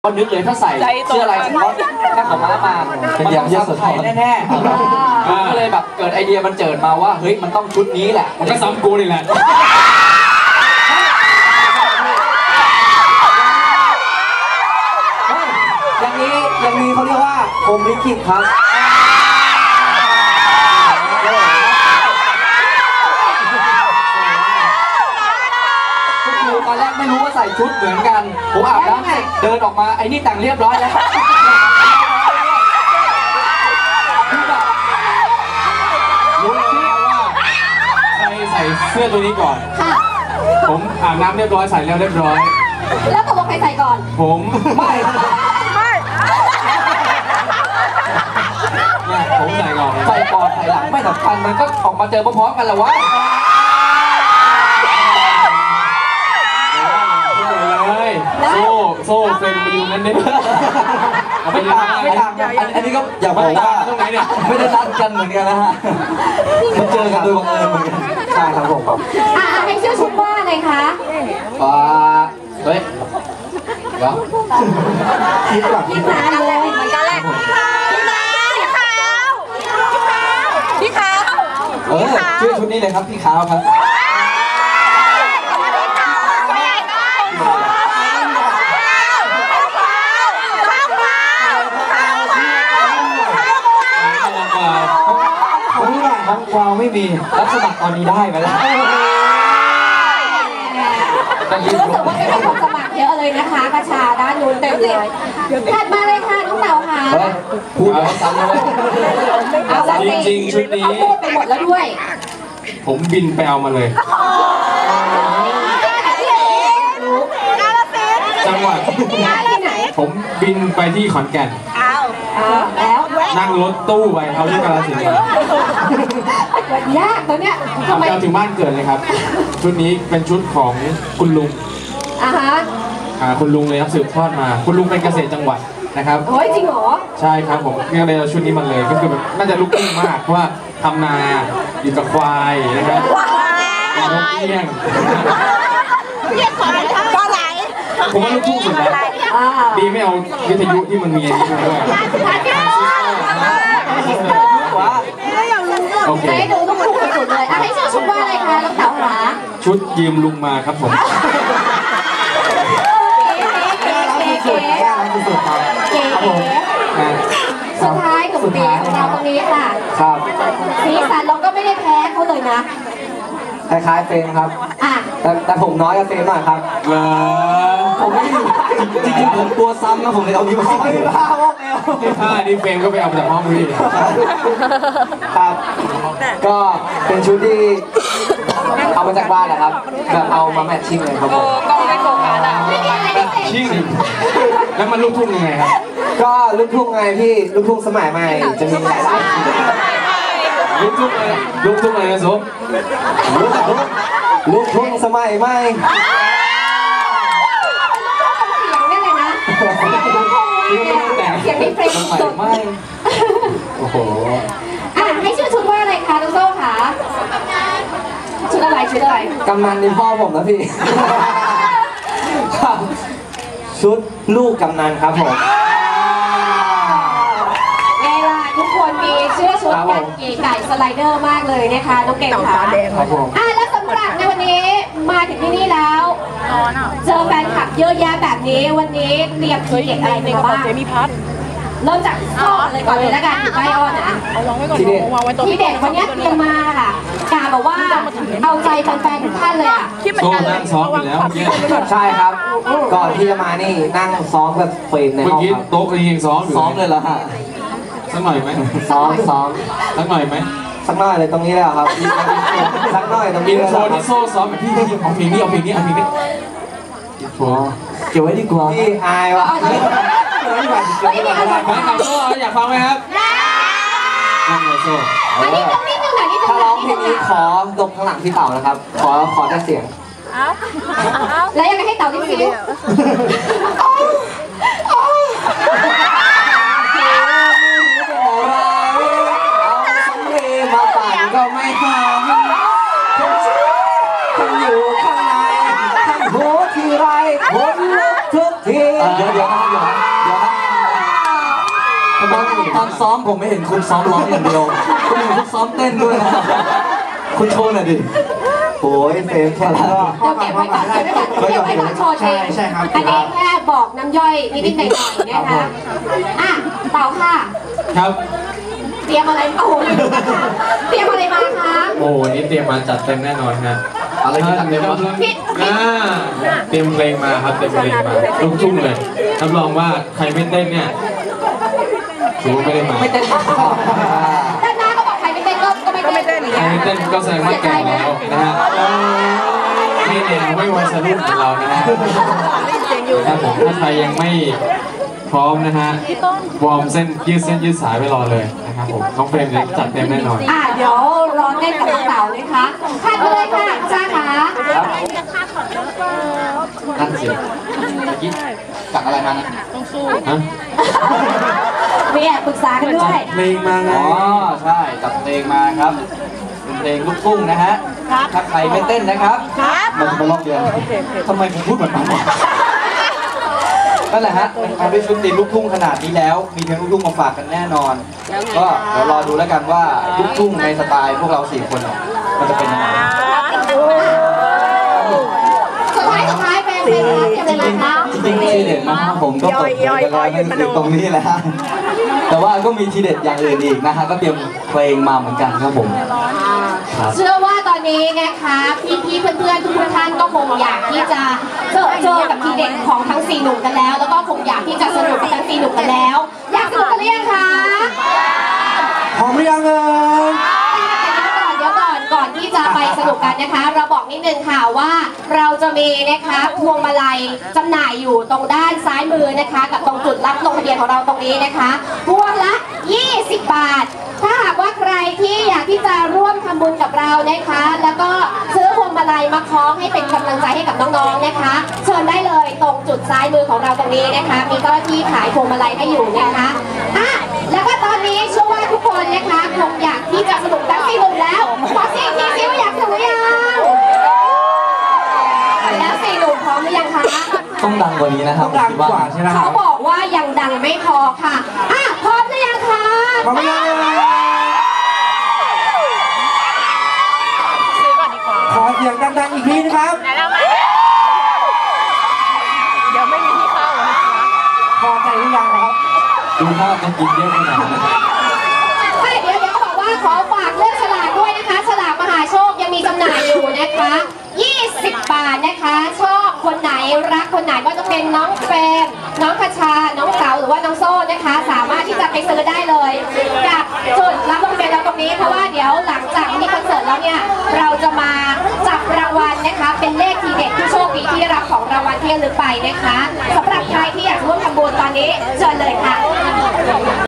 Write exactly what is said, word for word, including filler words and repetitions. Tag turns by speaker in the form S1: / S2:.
S1: ก็นึกเลยถ้าใส่เสื้อลายสก๊อตแค่ของม้ามาเป็นอย่างเยอะสุดไทยแน่ๆก็เลยแบบเกิดไอเดียมันเจิดมาว่าเฮ้ยมันต้องชุดนี้แหละมันก็ซ้ำกูนี่แหละ
S2: อย่างนี้อย่างนี้เขาเรียกว่าโฮมลิขิตครับ
S1: ตอนแรกไม่รู้ว่าใส่ชุดเหมือนกันผมอาบน้ำเสร็จเดินออกมาไอ้นี่แต่งเรียบร้อยแล้ว
S3: รู้แล้วว่าใครใส่เสื้อตัวนี้ก่อนผมอาบน้ำเรียบร้อยใส่แล้วเรียบร้อย
S4: แล้วตกลงใครใส่ก่อน
S3: ผม
S1: ไม่
S3: เนี่ยผมใส่ก่อน
S1: ใส่ก่อนใส่หลังไม่สำคัญมันก็ออกมาเจอพร้อมๆกันแหละวะ
S3: โซ่โซ่เซ็นไปอยู่นั้นได้
S1: ไม่ต่างไม่ต่างอันนี้ก็อย่าบอกว่า
S3: ตรงไหนเนี่ย
S1: ไม่ได้นัดกันเหมือนกันนะฮะมาเจอกันโดยบังเอิญเหมือนกันใช่ครับผม
S4: อ่าให้ชื่อชุดว่าอะไรคะ
S1: อ่าเฮ้ยเดี๋ยว
S4: คิดแบบพี่ขาวเลยเหมือนกันแหละพี่ขาวพี่ขาว
S1: เออชื่อชุดนี้เลยครับพี่ขาวครับผมว่าของกวาวไม่มีรับสมัครตอนนี้ได้ไหมล่ะ
S4: รู้สึกว่าเป็นคนสมัครเยอะเลยนะคะกระชาด้านนู้นเต็มเลยถัดมาเลยค่ะน้องเต่าค่ะ
S1: พูดแล้วซ้ำเลย
S3: จริงๆชุดนี้
S4: พูดไปหมดแล้วด้วย
S3: ผมบินไปเอามาเลยจังหวัดผมบินไปที่ขอนแก่น
S4: แล้ว
S3: นั่งรถตู้ไปเอาที่กาฬสินธุ์ม
S4: ายากตอนเนี้ย
S3: ทำไมถึงบ้านเกิดเลยครับชุดนี้เป็นชุดของคุณลุง
S4: อ่าฮะ
S3: อ่าคุณลุงเลยครับสืบทอดมาคุณลุงเป็นเกษตรจังหวัดนะครับ
S4: โอ้ยจริงเหรอ
S3: ใช่ครับผมเนี่ยเลยชุดนี้มันเลยก็คือแบบน่าจะลุกขึ้นมากเพราะว่าทำนาอยู่กับควายนะครับเป็นนกเอี้ยง
S4: ก็ไหล
S3: ผมว่าลูกทุ่งสุดแล้วดีไม่เอาวิทยุที่มันมีอันนี้ด้วยโอเค
S4: ดูต้องถูกสุดเลยอ่ะให้ชื่อชุดว่าอะไรคะน้องเต๋าคะ
S3: ชุดยืมลุงมาครับผม
S4: เก๋เก๋เก๋สุดท้ายหนุ่มตีของเราตรงนี้ค่ะ
S1: ครับ
S4: สีสันเราก็ไม่ได้แพ้เขาเลยนะ
S1: คล้ายๆเฟรมครับแต่แต่ผมน้อยกว่าเฟรมหน่อยครับ
S3: เหรอ
S1: ผมไม่อยู่จริงๆผมตัวซ้ำนะผมเลยเอานี้มาไม่ได้ผ้าว่าแมว
S3: ผ้านี่เฟรมก็ไปเอาจากห้องพี่
S1: ครับก็เป็นชุดที่เอามาจากบ้านนะครับแบบเอามาแมทชิ่งเลยครับผม
S4: ก็ไม่โกงกันอ่ะ
S3: แบบชิ่งแล้วมันลูกทุ่งยังไงครับ
S1: ก็ลูกทุ่งไงพี่ลูกทุ่งสมัยใหม่จะมีหลายสาย
S3: ลูกทุ่งเลยลูกทุ่งเลยนะสม
S1: ลูกทุ่งลูกทุ่งสมัยใหม่
S4: เสียงนี่เฟรมสุด
S1: ไม่โอ้โห
S4: อ่ะให้ชื่อชุดว่าอะไรคะน้องโซ่คะชุดอะไรชุดอะไร
S1: กำนันนี่พ่อผมนะพี่ชุดลูกกำนันครับผม
S4: เวลาทุกคนมีเสื้อชุดกันเก๋ไก่สไลเดอร์มากเลยนะคะน้องเก่งค่ะอ่ะแล้วสำหรับในวันนี้มาถึงที่นี่แล้วเจอแฟนคลับเยอะแยะแบบนี้วันนี้เตรียมทีเด็ดอะไรมาบ้างเริ่มจากอ้อนเลยก่อนเลยแล้วกันอยู่ใกล้อ้อนนะ
S1: ทีเด็ด
S4: ทีเด็ดวันนี้เตรียมมาค่ะกาบอกว่าเอาใจแฟนๆทุกท่านเลยอ่ะ
S3: โซ่นั่งซ้อมอยู่แล้วเมื่อกี้
S1: ใช่ครับก่อนที่จะมานี่นั่งซ้อมกับเฟรมในห้องครับ
S3: โต๊ะยังซ้อมอยู่
S1: ซ้อมเลยเหรอฮะ
S3: สักหน่อยไหม
S1: ซ้อมซ้อม
S3: สักหน่อยไหม
S1: สักหน่อยเลยตรงนี้เลยครับสักหน่อยตรงนี้
S3: เลยโชว์ที่โซ่ซ้อมแบบพี่พี่เอาเพลงนี้เอาเพลงนี้เอาเพลงนี้
S1: เก็บไว้ดีกว่าพี่อายวะ
S3: ไม่ไหวไม่ไหวไม่ไหวฟังโซ่อยากฟังไหมครับนั่งเลยโซ่
S1: ถ้าร้องเพลงนี้ขอลงข้างหลังพี่เต่านะครับขอขอได้เสียง
S4: แล้วยังไงให้เต่าที่ฟิว
S1: มาปั่นก็ไม่หอมคนอยู่ข้างในท่านโหทีไรคนลุกทุกทีเดี๋ยวเดี๋ยวนะเดี๋ยว
S2: ตอนซ้อมผมไม่เห็นคุณซ้อมร้องอย่างเดียวคุณเห็นคุณซ้อมเต้นด้วยนะคุณโชว์หน่อยดิโอ้ยเฟรมแค่ละ
S4: เดี๋ยวเก็บไว้ก่อนเก็บไว้ก่อนเก็บไว้ก่อนโชว์จริง
S2: ใช่ครับ
S4: อันนี้แค่บอกน้ำย่อยนิดๆหน่อยๆนะคะอ่ะเต่าค่ะ
S3: ครับ
S4: เตรียมอะไรโอ้โหเตรียมอะไรมาคะ
S3: โอ้วันนี้เตรียมมาจัดเต็มแน่นอนฮะ
S1: อะไรที่จัดเต็มวะ
S3: อ่าเตรียมเพลงมาครับเตรียมเพลงมาลูกทุ่งเลยรับรองว่าใครไม่เต้นเนี่ยถือว่าไม่ได้มา
S1: ไม่เต้น
S4: ด้านหน้าก็บอกใครไม่เต้นก็ก็ไม่เต้น
S3: ใครไม่เต้นก็แสดงว่าแก่แล้วนะฮะนี่แนวไม่วัยรุ่นของเรานะฮะครับผมถ้าใครยังไม่พร้อมนะฮะวอร์มเส้นยืดเส้นยืดสายไปรอเลยนะครับผมน้องเฟรมเนี่ยจัดเต็มแน่นอน
S4: อ่ะเดี๋ยวรอเต้นกับน้องเต่านะคะขัดไปเลยค่ะจ้าค่ะ
S1: นั่นสิเมื่อกี้จัดอะไรมานะ
S3: ฮะ
S4: มีแอบปรึกษากันด้วย
S3: เพลงมาไง
S1: อ๋อใช่จัดเพลงมาครับเป็นเพลงลูกทุ่งนะฮะถ้าใครไม่เต้นนะครับมันมาลอกเรียนทำไมผมพูดเหมือนมันวะนั่นแหละฮะมาด้วยชุดตีมลูกทุ่งขนาดนี้แล้ว มีเพลงลูกทุ่งมาฝากกันแน่นอน ก็เดี๋ยวรอดูแล้วกันว่าลูกทุ่งในสไตล์พวกเราสี่คนเนี่ยมันจะเป็นยังไง
S4: สุดท้ายสุดท้ายเป็นเป็นเป็นอะไรคะ
S2: จริงๆทีเด็ดนะครับผมก็เปิดเผยไปแล้วนั่นคือตรงนี้แหละฮะแต่ว่าก็มีทีเด็ดอย่างอื่นอีกนะฮะก็เตรียมเพลงมาเหมือนกันครับผมครับ
S4: เชื่อว่าตอนนี้นะคะพี่ๆเพื่อนๆทุกท่านก็คงอยากที่จะเจอเจอกับทีเด็ดของทั้งสี่หนุ่มกันแล้ว แล้วก็คงอยากที่จะสนุกกับทั้งสี่หนุ่มกันแล้ว อยากสนุกกันหรือยังคะ
S2: พร้อมหรือยังเอ่ย
S4: เดี๋ยวก่อนเดี๋ยวก่อนก่อนที่จะไปสนุกกันนะคะ เราบอกนิดนึงค่ะว่าเราจะมีนะคะพวงมาลัยจำหน่ายอยู่ตรงด้านซ้ายมือนะคะ กับตรงจุดรับลงทะเบียนของเราตรงนี้นะคะพวงละยี่สิบบาท ถ้าหากว่าใครที่อยากที่จะร่วมทำบุญกับเรานะคะ แล้วก็ซื้อพวงมาลัยมาคล้องให้เป็นกำลังใจให้กับน้องๆนะคะเชิญได้เลยตรงจุดซ้ายมือของเราตรงนี้นะคะ มีเจ้าหน้าที่ขายพวงมาลัยให้อยู่นะคะอ่ะแล้วก็ตอนนี้เชื่อว่าทุกคนนะคะคงอยากที่จะสนุกทั้งสี่หนุ่มแล้วขอเสียงทีซิว่าอยากสนุกหรือยังแล้วสี่หนุ่มพร้อมหรือยังคะ
S2: ต้องดังกว่านี้นะครับดังกว่าใช่ไหมค
S4: เขา
S2: รับ
S4: บอกว่ายังดังไม่พอค่ะอ่ะพร้อมหรือยังคะ
S2: พร้อมหรือยังเอ่ยขอเสียงดังๆอีกทีนะครับ
S5: เดี๋ยวไม่มีที่เข้านะคะ
S2: พอใจหรือยังครับ
S3: ดูภาพมันกินเยอะขนาดนั้น
S4: ใช่เดี๋ยวเดี๋ยวเขาบอกว่าขอฝากเรื่องฉลากด้วยนะคะ ฉลากมหาโชคยังมีจำหน่ายอยู่นะคะยี่สิบบาทนะคะ ชอบคนไหนรักคนไหนก็จะเป็นน้องเฟรมน้องคชา น้องเก๋าหรือว่าน้องโซ่นะคะ สามารถที่จะไปซื้อได้เลยกับจุดรับลงทะเบียนเราตรงนี้เพราะว่าเดี๋ยวหลังจากมีคอนเสิร์ตแล้วเนี่ยเราจะมาจับรางวัลนะคะ เป็นเลขทีเด็ดผู้โชคดีที่ได้รับของรางวัลที่ระลึกไปนะคะสำหรับใครที่อยากร่วมทำบุญตอนนี้เชิญเลยค่ะ